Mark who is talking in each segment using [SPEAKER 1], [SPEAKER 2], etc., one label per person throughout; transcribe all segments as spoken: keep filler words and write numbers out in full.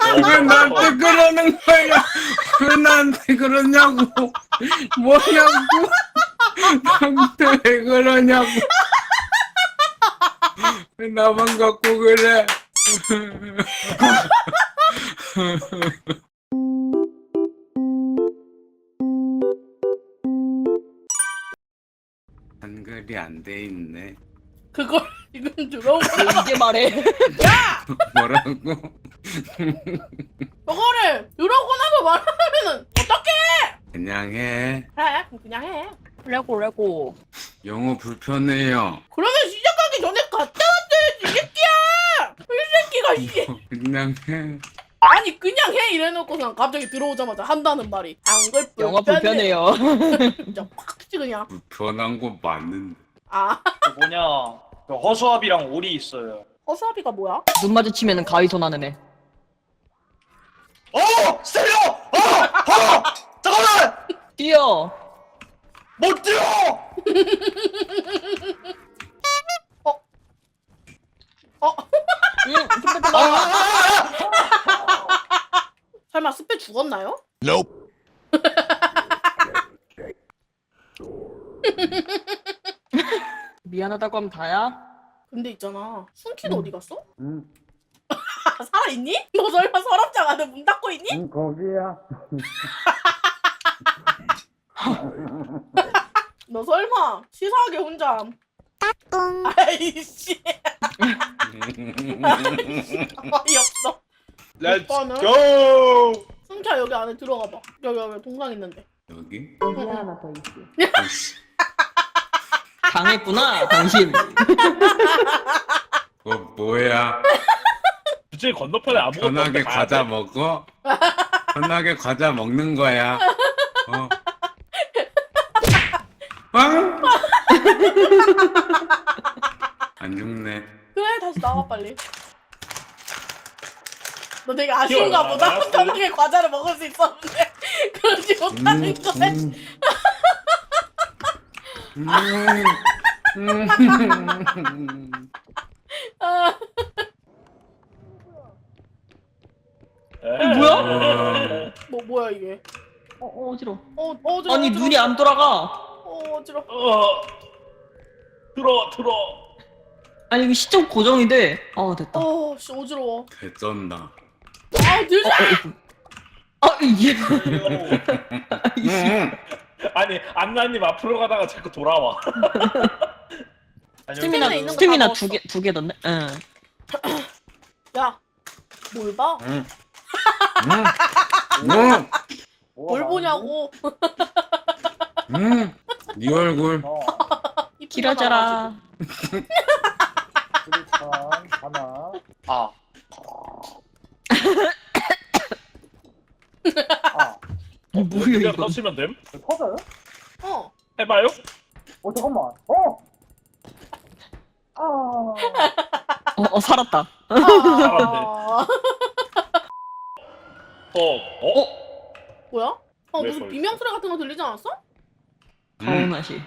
[SPEAKER 1] 왜 나한테 그러는 거야? 왜 나한테 그러냐고? 뭐냐고? 나한테 왜 그러냐고? 왜 나만 갖고 그래? 한글이 안 돼 있네.
[SPEAKER 2] 그걸 지금 들어온 거.
[SPEAKER 3] 왜 이제 말해?
[SPEAKER 1] 뭐라고?
[SPEAKER 2] 그거를 들어오고 나서 말하면은 어떡해?
[SPEAKER 1] 그냥 해.
[SPEAKER 2] 해, 그냥 해.
[SPEAKER 3] 레고 레고.
[SPEAKER 1] 영어 불편해요.
[SPEAKER 2] 그러면 시작하기 전에 갔다 왔어야지, 이 새끼야! 이 새끼가, 이
[SPEAKER 1] 그냥 해.
[SPEAKER 2] 아니, 그냥 해! 이래놓고서 갑자기 들어오자마자 한다는 말이. 한글 불편해.
[SPEAKER 3] 영어 불편해요.
[SPEAKER 2] 진짜 팍 치지, 그냥.
[SPEAKER 1] 불편한 거 맞는데.
[SPEAKER 2] 아,
[SPEAKER 4] 그 뭐냐 그 허수아비랑 오리 있어요.
[SPEAKER 2] 허수아비가 뭐야?
[SPEAKER 3] 눈 마주치면은 가위손 하는 애.
[SPEAKER 4] 어! 스테리오! 어! 어! 잠깐만!
[SPEAKER 3] 뛰어.
[SPEAKER 4] 못 뛰어!
[SPEAKER 2] 어? 어?
[SPEAKER 3] 응. 스페
[SPEAKER 4] 아!
[SPEAKER 3] 나.
[SPEAKER 2] 설마 스페 죽었나요?
[SPEAKER 3] 미안하다고 하면 다야?
[SPEAKER 2] 근데 있잖아, 순키도
[SPEAKER 3] 음.
[SPEAKER 2] 어디 갔어?
[SPEAKER 1] 응,
[SPEAKER 2] 살아있니? 너 설마 서랍장 안에 문 닫고 있니?
[SPEAKER 1] 응 거기야.
[SPEAKER 2] 너 설마 치사하게 혼자 아이씨 어이없어.
[SPEAKER 4] 렛츠
[SPEAKER 2] 오빠는?
[SPEAKER 4] 고!
[SPEAKER 2] 순키야 여기 안에 들어가봐. 여기 여기 동상 있는데.
[SPEAKER 1] 여기?
[SPEAKER 3] 여기 하나 더 있어.
[SPEAKER 1] 아이씨,
[SPEAKER 3] 당했구나 당신.
[SPEAKER 1] 뭐 뭐야?
[SPEAKER 4] 주제 건너편에 아무것도
[SPEAKER 1] 편하게
[SPEAKER 4] 없는데 가야
[SPEAKER 1] 과자
[SPEAKER 4] 돼?
[SPEAKER 1] 먹어? 편하게 과자 먹는 거야. 어? 아? 안 죽네.
[SPEAKER 2] 그래 다시 나와 빨리. 너 되게 아쉬운가
[SPEAKER 4] 귀여워,
[SPEAKER 2] 보다.
[SPEAKER 4] 알았어.
[SPEAKER 2] 편하게 과자를 먹을 수 있었는데 그러지 못하는
[SPEAKER 1] 음,
[SPEAKER 2] 거야.
[SPEAKER 1] 음. 음.
[SPEAKER 2] 아,
[SPEAKER 4] 에.
[SPEAKER 1] 뭐야?
[SPEAKER 2] 뭐 뭐야 이게?
[SPEAKER 3] 어, 어 어지러.
[SPEAKER 2] 어 어지러.
[SPEAKER 3] 아니 눈이 안 돌아가.
[SPEAKER 2] 어 어지러.
[SPEAKER 4] 어. 들어 들어.
[SPEAKER 3] 아니 이거 시점 고정이 돼. 아 됐다. 어,
[SPEAKER 2] 어씨 어지러워.
[SPEAKER 1] 개쩐다.
[SPEAKER 2] 아 늦어.
[SPEAKER 3] 아 이게.
[SPEAKER 1] 응.
[SPEAKER 4] 아니 안나님 앞으로 가다가 자꾸 돌아와.
[SPEAKER 2] 스태미나
[SPEAKER 3] 스태미나
[SPEAKER 2] 있는 거다
[SPEAKER 3] 스태미나
[SPEAKER 2] 먹었어.
[SPEAKER 3] 두 개 두 개 던네. 응.
[SPEAKER 2] 야, 뭘 봐?
[SPEAKER 1] 응. 응. 응.
[SPEAKER 2] 뭘 보냐고.
[SPEAKER 1] 응. 네 얼굴.
[SPEAKER 2] 이쁘게
[SPEAKER 3] 길어져라.
[SPEAKER 4] 하나. 아. 아.
[SPEAKER 3] 어, 뭐야
[SPEAKER 4] 그냥
[SPEAKER 3] 이거.
[SPEAKER 4] 터치면 됨?
[SPEAKER 5] 터져요?
[SPEAKER 2] 나와가지고. 어.
[SPEAKER 4] 해봐요?
[SPEAKER 5] 어 잠깐만. 어. 아.
[SPEAKER 3] 어, 어 살았다.
[SPEAKER 2] 아.
[SPEAKER 4] 어. 어?
[SPEAKER 2] 뭐야? 어
[SPEAKER 4] 왜
[SPEAKER 2] 무슨
[SPEAKER 4] 거기
[SPEAKER 2] 비명 소리 같은 거 들리지 않았어?
[SPEAKER 1] 응.
[SPEAKER 3] 가오나시.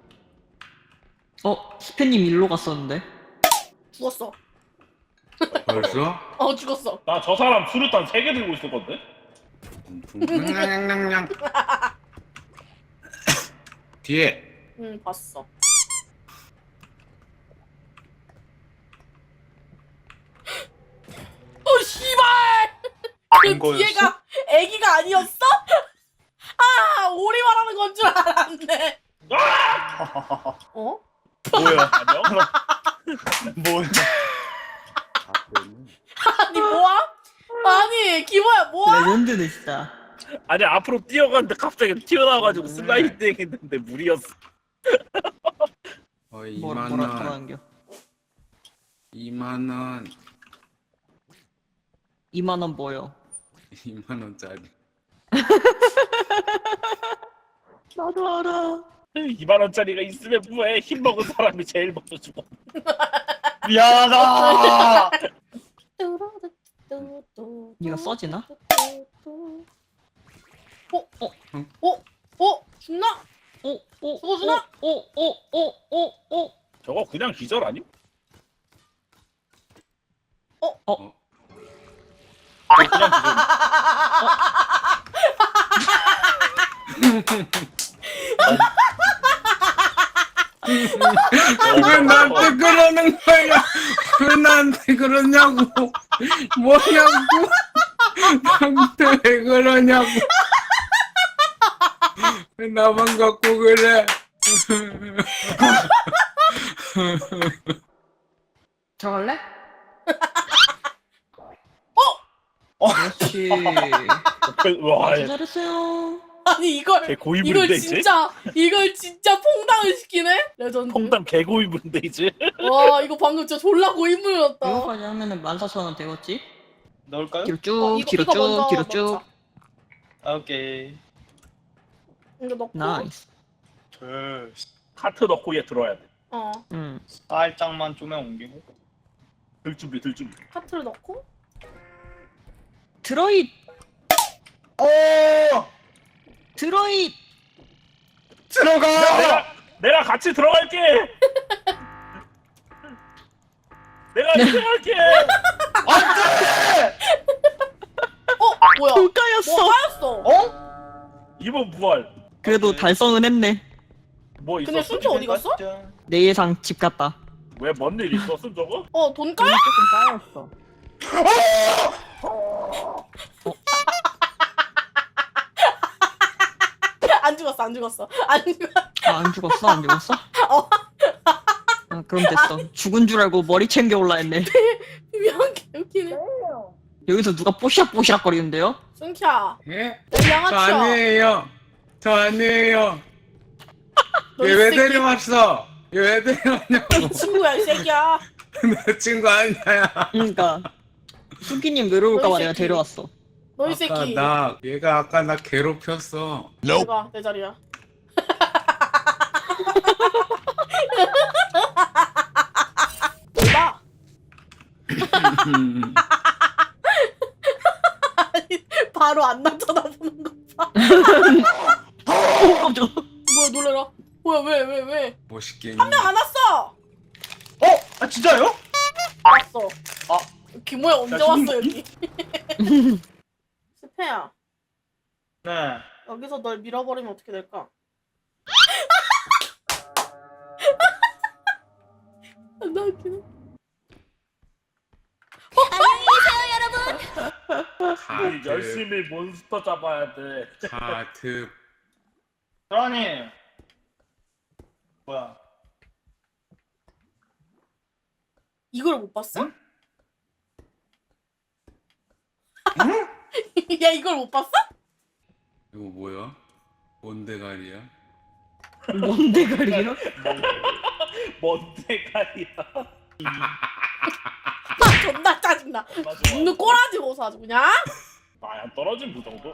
[SPEAKER 3] 어 스페님 일로 갔었는데.
[SPEAKER 2] 죽었어.
[SPEAKER 1] 벌써?
[SPEAKER 2] 어 죽었어.
[SPEAKER 4] 나 저 사람 수류탄 세 개 들고 있을 건데?
[SPEAKER 1] 냥냥냥냥. 뒤에.
[SPEAKER 2] 응 봤어. 어 씨발! 그
[SPEAKER 4] 안 거였어?
[SPEAKER 2] 뒤에가 애기가 아니었어? 아 오리 말하는 건 줄 알았네. 어?
[SPEAKER 4] 뭐야? 안녕? 뭐야?
[SPEAKER 2] 아니 뭐야? 아니 기모야 뭐야?
[SPEAKER 3] 레전드네 진짜.
[SPEAKER 4] 아니 앞으로 뛰어가는데 갑자기 튀어나와가지고 슬라이딩 했는데 무리였어.
[SPEAKER 1] 어,
[SPEAKER 3] 뭐
[SPEAKER 1] 이만
[SPEAKER 3] 뭐라
[SPEAKER 1] 원.
[SPEAKER 3] 뭐라는겨?
[SPEAKER 1] 이만 원.
[SPEAKER 3] 이만 원 뭐요?
[SPEAKER 1] 이만 원짜리.
[SPEAKER 3] 나도 알아.
[SPEAKER 4] 이만 원짜리가 있으면 뭐해? 힘 먹은 사람이 제일 먼저 죽어. 미안하다.
[SPEAKER 3] 이거 써지나?
[SPEAKER 2] 어? 어? 어? 어? 죽나?
[SPEAKER 3] 오, 오,
[SPEAKER 2] 죽어주나?
[SPEAKER 3] 오, 오, 오, 오, 오.
[SPEAKER 4] 저거 그냥 기절 아니?
[SPEAKER 1] 어?
[SPEAKER 4] 그냥
[SPEAKER 1] 왜 나한테 그러는 거야? 왜 나한테 그러냐고? 뭐냐고? 나한테 왜 그러냐고? 왜 나만 갖고 그래?
[SPEAKER 3] 들어갈래?
[SPEAKER 5] 어?
[SPEAKER 3] 그렇지.
[SPEAKER 4] 그, 와,
[SPEAKER 3] 아주 잘했어요.
[SPEAKER 2] 아니 이걸
[SPEAKER 4] 개
[SPEAKER 2] 이걸
[SPEAKER 4] 고이물인데 이제.
[SPEAKER 2] 진짜 이걸 진짜 퐁당을 시키네? 레전드.
[SPEAKER 4] 퐁당 개 고이물인데 이제.
[SPEAKER 2] 와 이거 방금 진짜 졸라 고인물이었다.
[SPEAKER 3] 이거까지 하면은 만 사천 원 되겠지?
[SPEAKER 5] 넣을까요?
[SPEAKER 3] 뒤로
[SPEAKER 2] 어,
[SPEAKER 3] 쭉,
[SPEAKER 2] 이거-
[SPEAKER 3] 뒤로
[SPEAKER 2] 이거
[SPEAKER 3] 쭉,
[SPEAKER 2] 먼저
[SPEAKER 3] 뒤로 쭉.
[SPEAKER 2] 넣자.
[SPEAKER 5] 아, 오케이.
[SPEAKER 2] 이거 넣고.
[SPEAKER 3] 나이스.
[SPEAKER 5] 둘,
[SPEAKER 4] 카트 넣고 얘 들어야 돼.
[SPEAKER 2] 어
[SPEAKER 3] 음.
[SPEAKER 5] 살짝만 쪼면 옮기고.
[SPEAKER 4] 들 준비, 들 준비.
[SPEAKER 2] 카트를 넣고.
[SPEAKER 3] 드로잇!
[SPEAKER 5] 오!
[SPEAKER 3] 드로잇!
[SPEAKER 5] 들어가!
[SPEAKER 4] 내가 내가 같이 들어갈게. 내가 들어갈게.
[SPEAKER 5] 안돼!
[SPEAKER 2] 어 뭐야?
[SPEAKER 3] 불가였어.
[SPEAKER 2] 뭐 하였어?
[SPEAKER 5] 어?
[SPEAKER 4] 이번 부활.
[SPEAKER 3] 그래도
[SPEAKER 5] 오케이.
[SPEAKER 3] 달성은 했네.
[SPEAKER 4] 뭐
[SPEAKER 2] 근데
[SPEAKER 4] 있었어?
[SPEAKER 2] 순표 어디 갔어?
[SPEAKER 3] 내 예상 집 갔다.
[SPEAKER 4] 왜 뭔 일 있었음 저거?
[SPEAKER 2] 어 돈 까였?
[SPEAKER 3] 조금 까였어.
[SPEAKER 2] 안 죽었어 안 죽었어 안 죽었어.
[SPEAKER 3] 아, 안 죽었어? 안 죽었어?
[SPEAKER 2] 어.
[SPEAKER 3] 아, 그럼 됐어. 죽은 줄 알고 머리 챙겨 올라 했네.
[SPEAKER 2] 미안 개웃기네.
[SPEAKER 3] 여기서 누가 뽀시락뽀시락 거리는데요?
[SPEAKER 2] 승키야
[SPEAKER 1] 예?
[SPEAKER 2] 내
[SPEAKER 1] 저
[SPEAKER 2] 양아치야.
[SPEAKER 1] 아니에요. 저 아니에요.
[SPEAKER 2] 너이
[SPEAKER 1] 얘 왜
[SPEAKER 2] 새끼.
[SPEAKER 1] 데려왔어? 얘 왜 데려왔냐고?
[SPEAKER 2] 친구야 이 새끼야.
[SPEAKER 1] 내 친구 아니야.
[SPEAKER 3] 그러니까 수기님 외로울까봐
[SPEAKER 2] 너이
[SPEAKER 3] 내가
[SPEAKER 2] 새끼.
[SPEAKER 3] 데려왔어.
[SPEAKER 2] 너이
[SPEAKER 1] 아까
[SPEAKER 2] 새끼.
[SPEAKER 1] 나 얘가 아까 나 괴롭혔어.
[SPEAKER 2] 내가 내 자리야. 봐. 바로 안 나타나보는 거 봐.
[SPEAKER 3] 오, 깜짝아.
[SPEAKER 2] 뭐야 놀래라. 뭐야 왜 왜 왜?
[SPEAKER 1] 멋있게.
[SPEAKER 2] 한 명 안 왔어.
[SPEAKER 5] 어? 아 진짜요?
[SPEAKER 2] 왔어.
[SPEAKER 5] 아.
[SPEAKER 2] 김호야 언제
[SPEAKER 5] 야,
[SPEAKER 2] 왔어
[SPEAKER 5] 지금-
[SPEAKER 2] 여기? 스페야
[SPEAKER 5] 네.
[SPEAKER 2] 여기서 널 밀어버리면 어떻게 될까? 나 웃기네.
[SPEAKER 4] 우리
[SPEAKER 1] 카드.
[SPEAKER 4] 열심히 몬스터 잡아야 돼.
[SPEAKER 1] 카드.
[SPEAKER 5] 드라니. 뭐야?
[SPEAKER 2] 이걸 못 봤어?
[SPEAKER 5] 응?
[SPEAKER 2] 야 이걸 못 봤어?
[SPEAKER 1] 이거 뭐야? 뭔 대가리야?
[SPEAKER 3] 뭔 대가리요?
[SPEAKER 4] 뭔 대가리야.
[SPEAKER 2] 아 존나 짜증나.
[SPEAKER 4] 맞아.
[SPEAKER 2] 눈 꼬라지고서 아주 그냥.
[SPEAKER 4] 나야 떨어진 그 정도.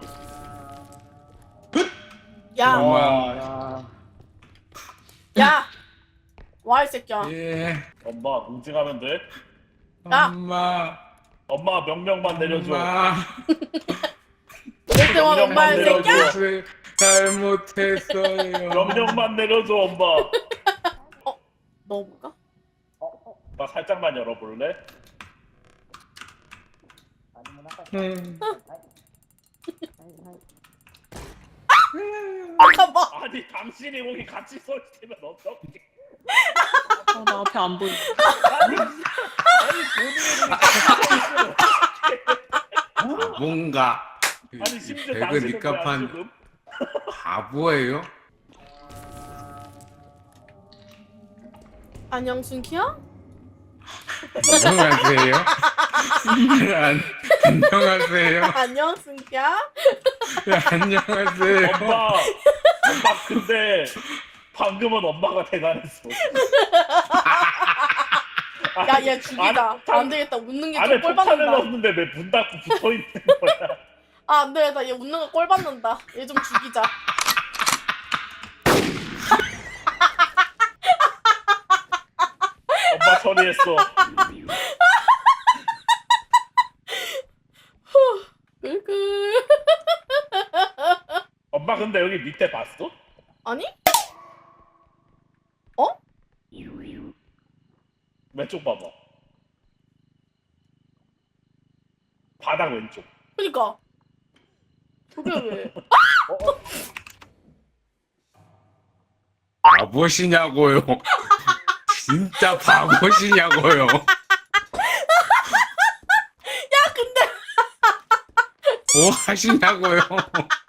[SPEAKER 2] 야,
[SPEAKER 1] 어.
[SPEAKER 5] 와.
[SPEAKER 2] 야, 와 이 새끼야.
[SPEAKER 1] 예.
[SPEAKER 4] 엄마 응징하면 돼.
[SPEAKER 2] 야.
[SPEAKER 1] 엄마.
[SPEAKER 4] 엄마 명령만 내려줘.
[SPEAKER 1] 엄마.
[SPEAKER 2] 내 때만 엄마 이
[SPEAKER 4] 내려줘.
[SPEAKER 2] 새끼야.
[SPEAKER 1] 무엇을 잘못했어요.
[SPEAKER 4] 명령만 내려줘 엄마.
[SPEAKER 2] 넣어볼까?
[SPEAKER 4] 나 살짝만 열어볼래?
[SPEAKER 1] 음.
[SPEAKER 2] 잠깐만.
[SPEAKER 4] 아니 당신이 거기 같이 서 있으면 어떡해?
[SPEAKER 3] 어, 나 앞에 안 보여.
[SPEAKER 4] 아니 아니 본인이 같이 서 있으면 어떡해?
[SPEAKER 1] 뭔가.
[SPEAKER 4] 아니 심지어
[SPEAKER 1] 배그
[SPEAKER 4] 당신은 왜안
[SPEAKER 1] 니값한
[SPEAKER 4] 죽음?
[SPEAKER 1] 바보예요?
[SPEAKER 2] 안녕 순키야?
[SPEAKER 1] 안녕하세요. 안, 안녕하세요.
[SPEAKER 2] 안녕 순키야?
[SPEAKER 1] 네, 안녕하세요.
[SPEAKER 4] 엄마 엄마 근데 방금은 엄마가 대단했어.
[SPEAKER 2] 야 얘 죽이다.
[SPEAKER 4] 안에
[SPEAKER 2] 안 되겠다. 웃는 게
[SPEAKER 4] 안에
[SPEAKER 2] 좀 꼴
[SPEAKER 4] 폭탄을
[SPEAKER 2] 받는다.
[SPEAKER 4] 넣었는데 왜 문 닫고 붙어 있는 거야?
[SPEAKER 2] 아 안 되겠다. 얘 웃는 거 꼴 받는다. 얘 좀 죽이자.
[SPEAKER 4] 엄마 처리했어.
[SPEAKER 2] 끌끌.
[SPEAKER 4] 엄마 근데 여기 밑에 봤어?
[SPEAKER 2] 아니?
[SPEAKER 4] 왼쪽 봐봐. 바닥
[SPEAKER 5] 가장 왼쪽.
[SPEAKER 2] 그니까. 저게 왜?
[SPEAKER 1] 바보시냐고요. 진짜 바보시냐고요.
[SPEAKER 2] 야, 근데.
[SPEAKER 1] 뭐 하시냐고요.